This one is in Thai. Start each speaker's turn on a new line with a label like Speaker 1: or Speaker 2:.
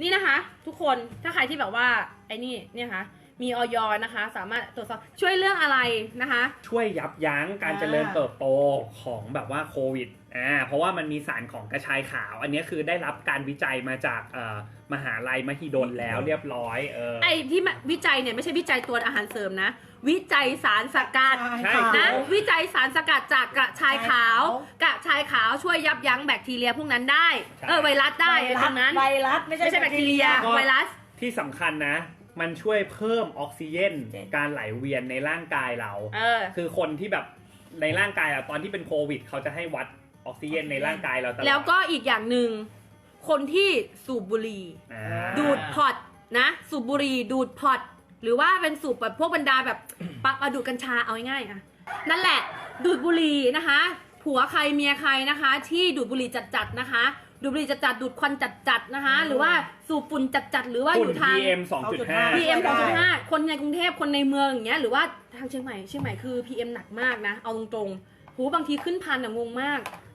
Speaker 1: นี่นะคะทุกคนถ้าใครที่แบบว่าไอ้นี่เนี่ยค่ะมีออยนะคะสามารถตรวจสอบช่วยเรื่องอะไรนะคะ
Speaker 2: ช่วยยับยั้งการเจริญเติบโตของแบบว่าโควิดเพราะว่ามันมีสารของกระชายขาว อันนี้คือได้รับการวิจัยมาจากมหาลัยมหิดลแล้วเรียบร้อย
Speaker 1: ไอ้ที่วิจัยเนี่ยไม่ใช่วิจัยตัวอาหารเสริมนะวิจัยสารสกัดนะวิจัยสารสกัดจากกระชายขาวกระชายขาวช่วยยับยั้งแบคทีเรียพวกนั้นได้ไวรัสได้ตรงนั้น
Speaker 3: ไวรัสไม่ใช่
Speaker 1: แบคทีเรียไวรัส
Speaker 2: ที่สำคัญนะมันช่วยเพิ่มออกซิเจนการไหลเวียนในร่างกายเราคือคนที่แบบในร่างกายอะตอนที่เป็นโควิดเขาจะให้วัดออกซิเจนในร่างกายเราตลอด
Speaker 1: แล้วก็อีกอย่างหนึ่งคนที่สูบบุหรี่ดูดพอตนะสูบบุหรี่ดูดพอตหรือว่าเป็นสูบแบบพวกบรรดาแบบปักดูดกัญชาเอาง่ายๆอ่ะนั่นแหละดูดบุหรี่นะคะผัวใครเมียใครนะคะที่ดูดบุหรี่จัดๆนะคะดูดบุหรี่จัดๆดูดควันจัดๆนะคะหรือว่าสูบฝุ่นจัดๆหรือว่าอยู่ทาง
Speaker 2: PM 2.5
Speaker 1: คนในกรุงเทพคนในเมืองอย่างเงี้ยหรือว่าทางเชียงใหม่คือ PM หนักมากนะเอาตรงๆหูบางทีขึ้นพันอะงงมาก